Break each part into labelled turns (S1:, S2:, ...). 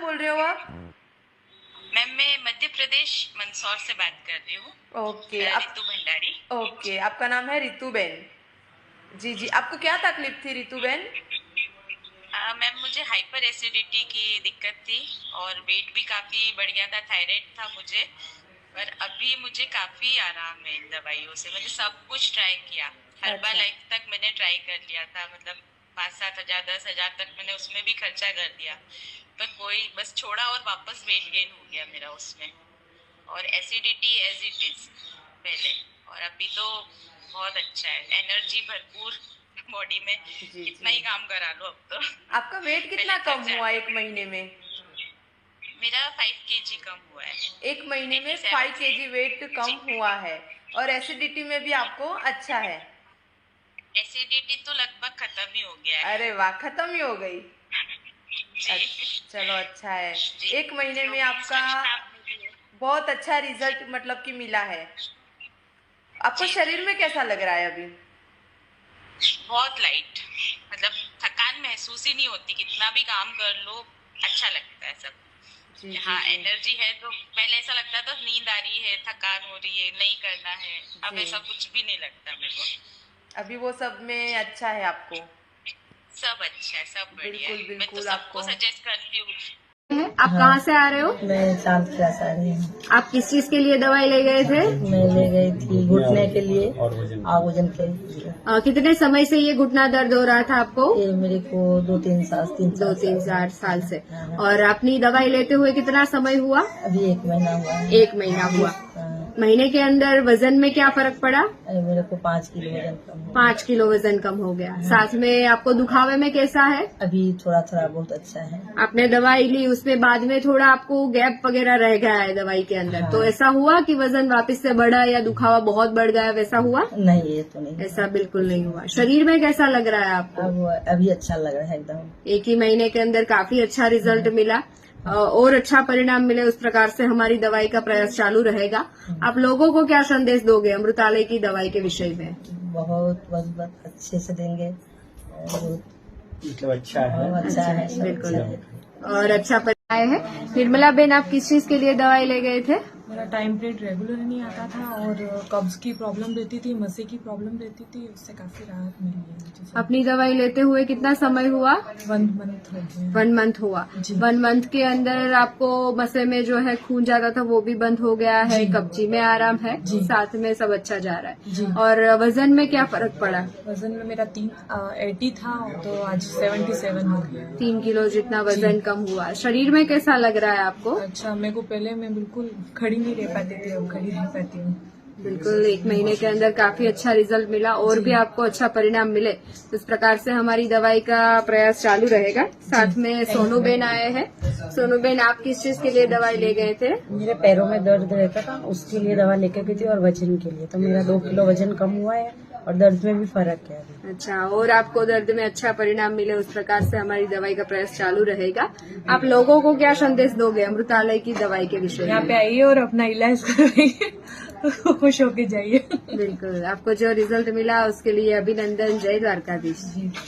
S1: बोल रहे हो आप?
S2: मैम मैं मध्य प्रदेश मंदसौर से बात कर रही हूँ।
S1: ओके
S2: रितु भंडारी।
S1: ओके, आपका नाम है रितुबेन। जी जी, आपको क्या तकलीफ थी रितुबेन?
S2: मैम मुझे हाइपर एसिडिटी की दिक्कत थी और वेट भी काफी बढ़ गया था, थायराइड था मुझे। पर अभी मुझे काफी आराम है इन दवाइयों से। मैंने सब कुछ ट्राई किया, हर्बल
S1: अच्छा।
S2: लाइफ तक मैंने ट्राई कर लिया था, मतलब 5-7 हजार 10 हजार तक मैंने उसमें भी खर्चा कर दिया, पर कोई बस छोड़ा और वापस वेट गेन हो गया मेरा उसमें। और एसिडिटी एज इट इज पहले, और अभी तो बहुत अच्छा है, एनर्जी भरपूर बॉडी में।
S1: जी
S2: कितना ही
S1: जी।
S2: काम करा लो अब तो।
S1: आपका वेट कितना
S2: पहले
S1: कम
S2: थक
S1: हुआ
S2: जाते
S1: एक
S2: थे।
S1: महीने में?
S2: मेरा 5 kg कम हुआ है।
S1: एक महीने में
S2: 87
S1: 5
S2: से।
S1: केजी वेट कम
S2: जी।
S1: हुआ है। और एसिडिटी में भी आपको अच्छा है?
S2: एसिडिटी तो लगभग खत्म ही हो गया है।
S1: अरे वाह, खत्म ही हो गई।
S2: जी।
S1: चलो अच्छा है।
S2: जी।
S1: एक महीने में
S2: योगी
S1: आपका
S2: स्वच्छता में भी है।
S1: बहुत अच्छा रिजल्ट मतलब कि मिला है। आपको
S2: जी जी।
S1: शरीर में कैसा लग रहा है अभी?
S2: बहुत लाइट, मतलब थकान महसूस ही नहीं होती, कितना भी काम कर लो अच्छा लगता है सब।
S1: जी जी
S2: हाँ,
S1: जी
S2: एनर्जी है। तो पहले ऐसा लगता था नींद आ रही है, थकान हो रही है, नहीं करना है। अब
S1: जी।
S2: ऐसा कुछ भी नहीं लगता मेरे को।
S1: अभी वो सब में अच्छा है आपको?
S2: सब अच्छा है, सब बढ़िया
S1: बिल्कुल
S2: है। मैं तो
S1: बिल्कुल
S2: सबको
S1: आपको।
S2: सजेस्ट करती हूँ।
S3: आप कहाँ से आ रहे हो?
S4: मैं चांद क्लास आ रही हूँ।
S3: आप किस चीज के लिए दवाई ले गए थे?
S4: मैं ले गई थी घुटने के लिए और वजन के लिए।
S3: कितने समय से ये घुटना दर्द हो रहा था आपको?
S4: ये मेरे को
S3: 2-3 साल से।
S4: हाँ।
S3: और अपनी दवाई लेते हुए कितना समय हुआ?
S4: अभी 1 महीना हुआ है।
S3: 1 महीना हुआ।
S4: हाँ।
S3: महीने के अंदर वजन में क्या फर्क पड़ा?
S4: अरे मेरे को 5 किलो वजन कम हुआ।
S3: 5 किलो वजन कम हो गया। साथ में आपको दुखावे में कैसा है?
S4: अभी थोड़ा थोड़ा बहुत अच्छा है।
S3: आपने दवाई ली, उसमें बाद में थोड़ा आपको गैप वगैरह रह गया है दवाई के अंदर,
S4: हाँ।
S3: तो ऐसा हुआ कि वजन वापस से बढ़ा या दुखावा बहुत बढ़ गया, वैसा हुआ?
S4: नहीं, ये तो नहीं।
S3: ऐसा बिल्कुल नहीं हुआ। शरीर में कैसा लग रहा है आपको?
S4: अब अभी अच्छा लग रहा है एकदम।
S3: 1 ही महीने के अंदर काफी अच्छा रिजल्ट मिला और अच्छा परिणाम मिले, उस प्रकार से हमारी दवाई का प्रयास चालू रहेगा। आप लोगों को क्या संदेश दोगे अमृतालय की दवाई के विषय में?
S4: बहुत बहुत बहुत अच्छे से देंगे। बहुत
S5: मतलब अच्छा है।
S4: अच्छा है, सब
S3: बिल्कुल।
S4: अच्छा है।
S3: और अच्छा परिणाम है। निर्मला बेन, आप किस चीज के लिए दवाई ले गए थे?
S6: मेरा टाइम पीरियड रेगुलर नहीं आता था और कब्ज की प्रॉब्लम रहती थी, मसे की प्रॉब्लम रहती थी, उससे काफी राहत मिली है मुझे।
S3: अपनी दवाई लेते हुए कितना समय हुआ?
S6: 1 मंथ हो गया।
S3: 1 मंथ हुआ।
S6: जी।
S3: 1 मंथ के अंदर आपको मसे में जो है खून जाता था वो भी बंद हो गया है,
S6: जी।
S3: कब्जी में आराम है,
S6: जी।
S3: साथ में सब अच्छा जा रहा है।
S6: जी।
S3: और वजन में क्या फर्क पड़ा?
S6: वजन में मेरा 80 था तो आज 77 हो गया।
S3: 3 किलो जितना वजन कम हुआ। शरीर में कैसा लग रहा है आपको?
S6: अच्छा, मेरे को पहले मैं बिल्कुल खड़ी नहीं रह पाती थी, अब खड़ी रह पाती हूँ।
S3: बिल्कुल 1 महीने के अंदर काफी अच्छा रिजल्ट मिला और भी आपको अच्छा परिणाम मिले, इस प्रकार से हमारी दवाई का प्रयास चालू रहेगा। साथ में सोनू बेन आए हैं। सोनू बेन, आप किस चीज के लिए दवाई ले गए थे?
S4: मेरे पैरों में दर्द रहता था, उसके लिए दवा लेकर गई थी और वजन के लिए। तो मेरा 2 किलो वजन कम हुआ है और दर्द में भी फर्क है अभी।
S3: अच्छा, और आपको दर्द में अच्छा परिणाम मिले, उस प्रकार से हमारी दवाई का प्रयास चालू रहेगा। आप लोगों को क्या संदेश दोगे अमृतालय की दवाई के विषय
S6: यहाँ
S3: में?
S6: पे आइए और अपना इलाज करवाइए, खुश होके जाइए।
S3: बिल्कुल, आपको जो रिजल्ट मिला उसके लिए अभिनंदन। जय દ્વારકાધીશ।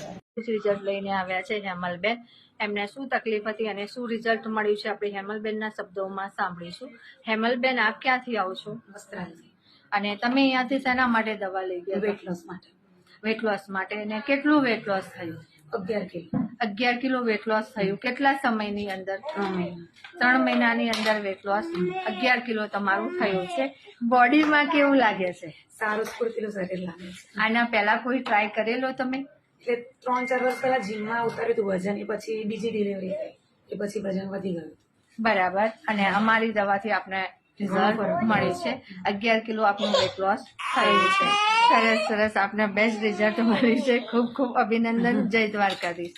S7: રિઝલ્ટ લઈને આવ્યા છે હેમલબેન, એમને શું તકલીફ હતી અને શું રિઝલ્ટ મળ્યું છે આપણે હેમલબેનના શબ્દોમાં સાંભળીશું। હેમલબેન, આપ ક્યાંથી આવો છો?
S8: વસ્ત્રાલથી।
S7: અને તમે અહીંયાથી શેના માટે દવા લઈ ગયા?
S8: વેટ લોસ માટે।
S7: વેટ લોસ માટે। અને કેટલું વેટ લોસ થયું?
S8: 11 કિલો।
S7: 11 કિલો વેટ લોસ થયું। કેટલા સમયની અંદર?
S8: 3 મહિના।
S7: 3 મહિનાની અંદર વેટ લોસ 11 કિલો તમારું થયું છે। બોડીમાં કેવું લાગે છે?
S8: સારું સ્ફૂર્તિલું શરીર લાગે છે।
S7: આના પહેલા કોઈ ટ્રાય કરેલો તમે?
S8: એટલે 3-4 વર્ષ પહેલા જીમમાં ઉતાર્યું હતું વજન, એ પછી બીજી ડિલિવરી થઈ, એ પછી વજન વધી ગયું।
S7: બરાબર। અને અમારી દવાથી આપણે રિઝલ્ટ મળ્યું છે। 11 કિલો આપનું વેટ લોસ થયું છે। સરસ સરસ, આપને બેસ્ટ રિઝલ્ટ મળ્યું છે। ખૂબ ખૂબ અભિનંદન। જય દ્વારકાધીશ।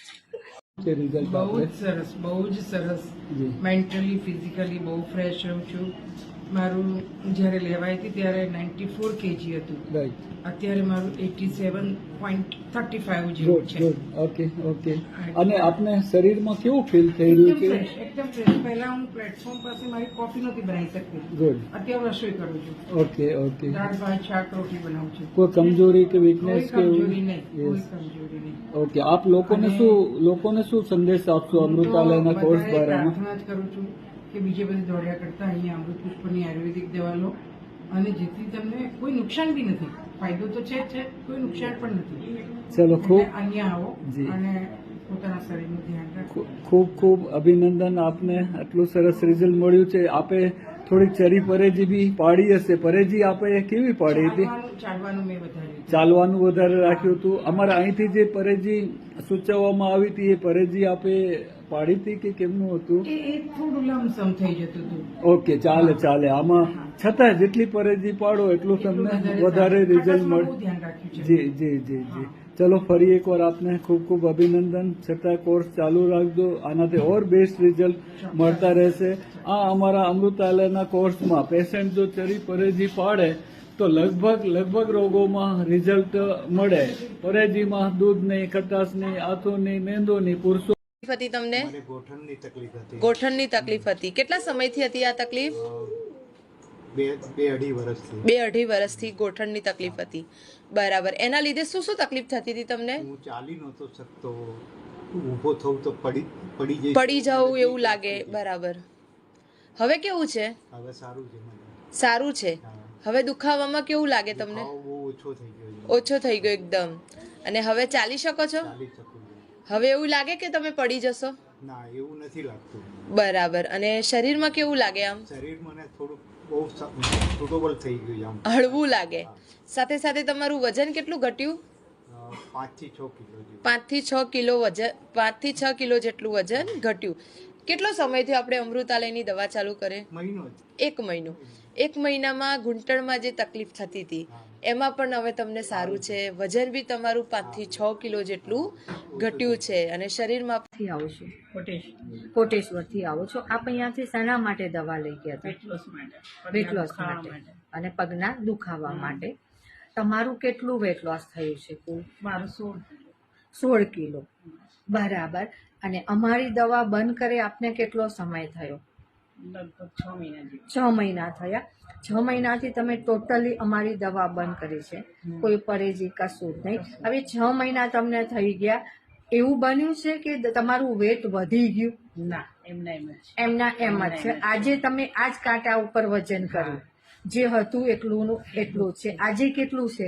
S9: બહુ જ સરસ, બહુ જ સરસ। મેન્ટલી ફિઝિકલી બહુ ફ્રેશ રહું છું
S5: મારું જ્યારે લેવાઈ હતી ત્યારે 94 kg હતું.
S9: રાઈટ.
S5: અત્યારે મારું 87.35 જેવું
S9: ગુડ
S5: છે.
S9: ગુડ. Okay okay. અને આપને શરીરમાં કેવું ફીલ થઈ રહ્યું છે?
S5: એકદમ ફ્રેશ. પહેલા હું પ્લેટફોર્મ પાસે મારી કોફી નહોતી બનાવી શકતી.
S9: ગુડ.
S5: અત્યારે રસોઈ કરું છું.
S9: Okay okay.
S5: દાળ ભાત શાક રોટલી બનાવું છું.
S9: કોઈ કમજોરી કે
S5: કોઈ
S9: વીકનેસ કે
S5: કમજોરી નહીં. કોઈ
S9: Yes.
S5: કમજોરી નહીં.
S9: ઓકે. આપ લોકોને શું સંદેશ આપશો અમૃતાલયના
S5: હું તો
S9: કોર્સ
S5: બધાએ
S9: બારામાં?
S5: પ્રાર્થના જ કરું છું કે બીજે બધે દોડ્યા કરતા અહીંયા અમૃત પુષ્પની આયુર્વેદિક દવા લો અને જેથી તમને કોઈ નુકસાન બી નથી. ફાયદો તો છે જ છે, કોઈ નુકસાન પણ નથી.
S9: ચલો ખૂબ
S5: એટલે અહીંયા આવો
S9: જી.
S5: અને પોતાના શરીરનું ધ્યાન રાખો.
S9: ખૂબ ખૂબ અભિનંદન. આપને આટલું સરસ રિઝલ્ટ મળ્યું છે. આપે થોડીક ચરી પરેજી બી પાડી હશે. પરેજી આપે કેવી પાડી હતી?
S5: ચાલવાનું મેં વધાર્યું.
S9: ચાલવાનું વધારે રાખ્યું હતું. અમારા અહીંથી જે પરેજી સૂચવવામાં આવી હતી એ પરેજી આપે પાડી હતી કે કેમનું હતું?
S5: એ થોડું લમસમ થઈ જતું હતું.
S9: ઓકે, ચાલે ચાલે. આમાં છતાં જેટલી પરેજી પાડો એટલું તમને વધારે રિઝલ્ટ મળે.
S5: બહુ ધ્યાન રાખ્યું છે.
S9: જી જી જી જી. ચલો ફરી એકવાર આપને ખૂબ ખૂબ અભિનંદન. છતાં કોર્સ ચાલુ રાખજો. આનાથી ઓર બેસ્ટ રિઝલ્ટ મળતા રહેશે. આ અમારા અમૃતાલયના કોર્સમાં પેશન્ટ જો ચરી પરેજી પાડે તો લગભગ રોગોમાં રિઝલ્ટ મળે. પરેજીમાં દૂધ નહીં, ખટાશ નહીં, આથો નહીં, મેંદો નહીં. પુરુષો
S1: તકલીફ હતી તમને?
S10: મને ગોઠણની તકલીફ હતી.
S1: ગોઠણની તકલીફ હતી. કેટલા સમયથી હતી આ તકલીફ?
S10: બે અઢી વર્ષથી.
S1: 2-2.5 વર્ષથી ગોઠણની તકલીફ હતી. બરાબર. એના લીધે શું શું તકલીફ થતી હતી તમને?
S10: હું ચાલી નહોતો શકતો. ઊભો થવું તો પડી
S1: જવું એવું લાગે. બરાબર. હવે કેવું છે?
S10: હવે સારું છે મને.
S1: સારું છે.
S10: હા.
S1: હવે દુખાવામાં કેવું લાગે તમને?
S10: દુખાવો બહુ ઓછો થઈ ગયો છે.
S1: ઓછો થઈ ગયો એકદમ. અને હવે ચાલી શકો છો?
S10: ચાલી શકું છું.
S1: હવે એવું લાગે કે તમે પડી જશો?
S10: ના, એવું નથી લાગતું.
S1: બરાબર. અને શરીરમાં કેવું લાગે? આમ
S10: શરીર મને થોડું બહુ સુટેબલ થઈ ગયું આમ.
S1: હળવું લાગે. સાથે સાથે તમારું વજન કેટલું ઘટ્યું?
S10: 5 થી 6 કિલો જેવું.
S1: 5 થી 6 કિલો વજન, 5 થી 6 કિલો જેટલું વજન ઘટ્યું. કેટલો સમયથી આપણે અમૃતાલયની દવા ચાલુ કરે?
S10: મહિનો જ.
S1: 1 મહિનો. 1 મહિનામાં ઘૂંટણમાં જે તકલીફ થતી હતી એમાં પણ હવે તમને સારું છે. વજન બી તમારું 5 થી 6 કિલો જેટલું ઘટ્યું છે અને શરીરમાં
S7: થી આવું છું કોટેશ્વરથી આવો છો. આપ અહીંયાથી શાના માટે દવા લઈ ગયા હતા? વેટ લોસ માટે અને પગના દુખાવા માટે. તમારું કેટલું વેટ લોસ થયું છે? કુલ
S4: મારું
S7: 16 કિલો. બરાબર. અને અમારી દવા બંધ કરે આપને કેટલો સમય થયો?
S4: લગભગ 6 મહિના જેવું.
S7: 6 મહિના થયા. 6 મહિનાથી તમે ટોટલી અમારી દવા બંધ કરી છે. કોઈ પરેજી કશું જ નહીં. હવે 6 મહિના તમને થઈ ગયા. એવું બન્યું છે કે તમારું વેટ વધી ગયું?
S4: ના, એમના એમ જ.
S7: એમના એમ જ છે. આજે તમે આજ કાંટા ઉપર વજન કર્યું. જે હતું એટલું છે. આજે કેટલું છે?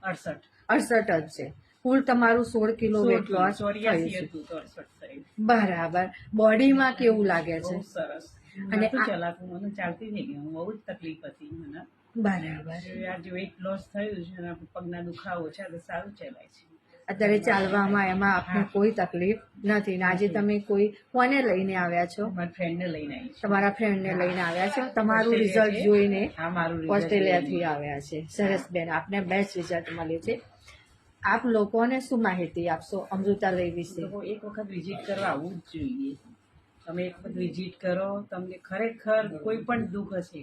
S7: 68 જ છે. કુલ તમારું 16 કિલો વેટ લોસ થયું છે. બરાબર. બોડીમાં કેવું લાગે છે?
S4: સરસ.
S7: અને
S4: અને ચલાતું મને ચાલતી થઈ ગઈ. બહુ જ તકલીફ હતી મને.
S7: બરાબર.
S4: આજે વેઇટ લોસ થયું છે અને પગના દુખાવો છે તો સારું ચલાય છે.
S7: અત્યારે ચાલવામાં એમાં આપને કોઈ તકલીફ નથી. ને આજે તમે કોને લઈને આવ્યા છો?
S4: મારા ફ્રેન્ડને લઈને આવી છું.
S7: તમારા ફ્રેન્ડને લઈને આવ્યા છો. તમારું રિઝલ્ટ જોઈને
S4: હા, મારું
S7: ઓસ્ટ્રેલિયાથી આવ્યા છે. સરસ બેન, આપને બેસ્ટ રિઝલ્ટ મળ્યું છે. આપ લોકોને શું માહિતી આપશો અમૃતાલય વિશે?
S4: લોકો એક વખત વિઝિટ કરવા આવવું જ જોઈએ. તમે એક વખત વિઝિટ કરો, તમને ખરેખર કોઈ પણ દુઃખ હશે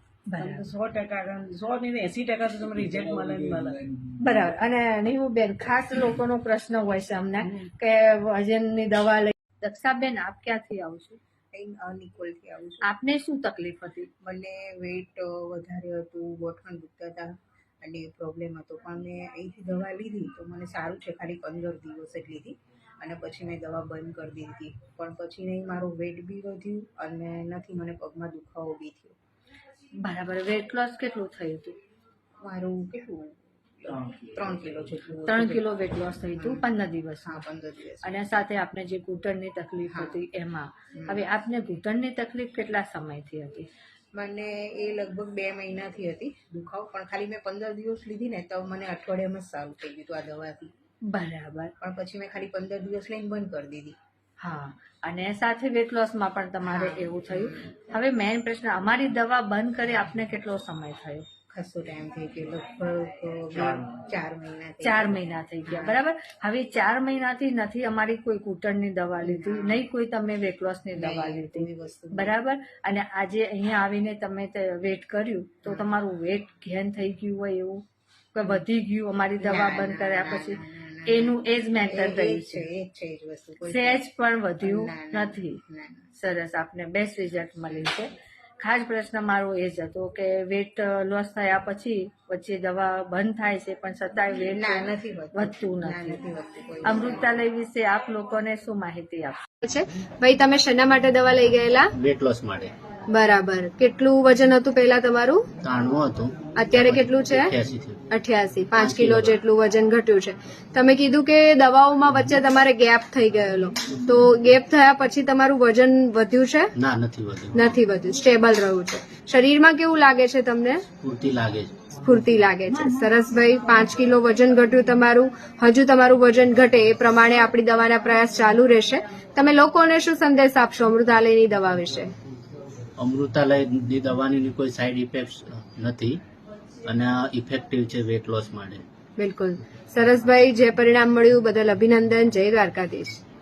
S4: 100% 100 નહીં 80% તો તમને રિઝલ્ટ મળે જ મળે.
S7: બરાબર. અને નહીં બેન, ખાસ લોકોનો પ્રશ્ન હોય છે અમને કે વજનની દવા લઈ. દક્ષાબેન, આપ ક્યાંથી આવો છો?
S11: નિકોલથી આવું છું.
S7: આપને શું તકલીફ હતી?
S11: મને વેઇટ વધારે હતું, ગોઠણ દુખતા હતા અને પ્રોબ્લેમ હતો. પણ મેં અહીંથી દવા લીધી તો મને સારું છે. ખાલી 15 દિવસ જ લીધી અને પછી મેં દવા બંધ કરી દીધી. પણ પછી નહીં, મારું વેઇટ બી વધ્યું અને નથી મને પગમાં દુખાવો બી થયો.
S7: બરાબર. વેટ લોસ કેટલું થયું હતું?
S11: મારું કેટલું 3 કિલો જેટલું.
S7: 3 કિલો વેટ લોસ થયું હતું 15 દિવસ.
S11: હા, 15 દિવસ.
S7: અને સાથે આપને જે ઘૂંટણની તકલીફ હતી એમાં. હવે આપને ઘૂંટણની તકલીફ કેટલા સમયથી હતી?
S11: મને એ લગભગ 2 મહિનાથી હતી દુખાવો. પણ ખાલી મેં 15 દિવસ લીધી ને તો મને અઠવાડિયામાં જ સારું થઈ ગયું હતું આ દવાથી.
S7: બરાબર.
S11: પણ પછી મેં ખાલી 15 દિવસ લઈને બંધ કરી દીધી.
S7: હા. અને સાથે વેટ લોસમાં પણ તમારે એવું થયું. હવે મેઇન પ્રશ્ન, અમારી દવા બંધ કરી આપને કેટલો સમય થયો?
S11: ખાસો ટાઈમ થઈ ગયો, લગભગ 4 મહિના થઈ
S7: 4 મહિના થઈ ગયા, બરાબર. હવે 4 મહિનાથી નથી અમારી કોઈ કૂટણની દવા લીધી, નહીં કોઈ તમે વેટ લોસની દવા લીધી,
S11: કોઈ વસ્તુ
S7: બરાબર. અને આજે અહીંયા આવીને તમે વેટ કર્યું તો તમારું વેટ ગેન થઈ ગયું હોય એવું કે વધી ગયું અમારી દવા બંધ કર્યા પછી? એનું એ જ મેન્ટેન રહ્યું છે,
S11: એ જ છે એ જ વસ્તુ, કોઈ
S7: સહેજ પણ વધ્યું નથી.
S11: ના.
S7: સરસ, આપને બેસ્ટ રિઝલ્ટ મળ્યું છે. ખાસ પ્રશ્ન મારો એ જ હતો કે વેટ લોસ થયા પછી વચ્ચે દવા બંધ થાય છે પણ છતાંય વેટ
S11: ના, નથી વધતું.
S7: વધતું
S11: ના,
S7: નથી.
S11: નથી વધતું કોઈ.
S7: અમૃતાલય વિશે આપ લોકોને શું માહિતી આપશો?
S3: છે ભાઈ, તમે શેના માટે દવા લઈ ગયેલા?
S12: વેટ લોસ માટે.
S3: બરાબર. કેટલું વજન હતું પહેલા તમારું?
S12: 93 હતું,
S3: અત્યારે કેટલું છે?
S12: 88 થયું.
S3: 88. 5 કિલો જેટલું વજન ઘટ્યું છે. તમે કીધું કે દવાઓમાં વચ્ચે તમારે ગેપ થઈ ગયેલો, તો ગેપ થયા પછી તમારું વજન વધ્યું છે?
S12: ના, નથી વધ્યું.
S3: નથી વધ્યું, સ્ટેબલ રહ્યું છે. શરીરમાં કેવું લાગે છે તમને?
S12: પૂરતી લાગે છે.
S3: સ્ફૂર્તિ લાગે છે. સરસ ભાઈ, 5 કિલો વજન ઘટ્યું તમારું. હજુ તમારું વજન ઘટે એ પ્રમાણે આપણી દવાના પ્રયાસ ચાલુ રહેશે. તમે લોકોને શું સંદેશ આપશો અમૃતાલયની દવા વિશે?
S12: અમૃતાલયની દવાની કોઈ સાઈડ ઇફેક્ટ નથી અને ઇફેક્ટિવ છે વેટ લોસ માટે.
S3: બિલકુલ. સરસ ભાઈ, જે પરિણામ મળ્યું બદલ અભિનંદન. જય દ્વારકાધીશ.